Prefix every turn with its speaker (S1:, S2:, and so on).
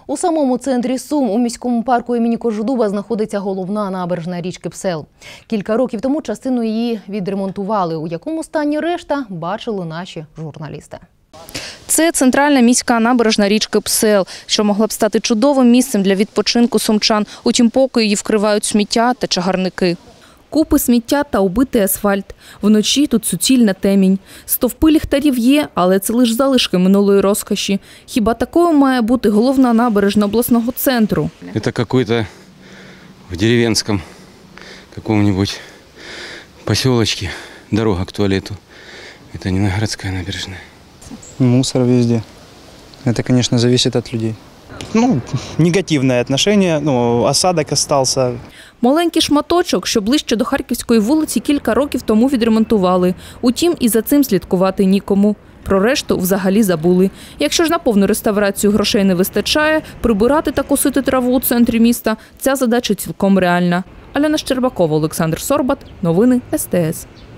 S1: У самому центрі Сум, у міському парку імені Кожедуба, знаходиться головна набережна річки Псел. Кілька років тому частину її відремонтували. У якому стані решта, бачили наші журналісти.
S2: Це центральна міська набережна річки Псел, що могла б стати чудовим місцем для відпочинку сумчан. Утім, поки її вкривають сміття та чагарники. Купи сміття та убитий асфальт. Вночі тут суцільна темінь. Стовпи ліхтарів є, але це лише залишки минулої розкоші. Хіба такою має бути головна набережна обласного центру?
S3: Це якийсь в деревенському якомусь поселочку дорога к туалету. Це не городська набережна.
S4: Мусор везде. Это, конечно, зависит от людей. Негативное отношение, осадок остался.
S2: Маленький шматочок, що ближче до Харківської вулиці, кілька років тому відремонтували. Утім, і за цим слідкувати нікому. Про решту взагалі забули. Якщо ж на повну реставрацію грошей не вистачає, прибирати та косити траву у центрі міста – ця задача цілком реальна. Альона Щербакова, Олександр Сорбат. Новини СТС.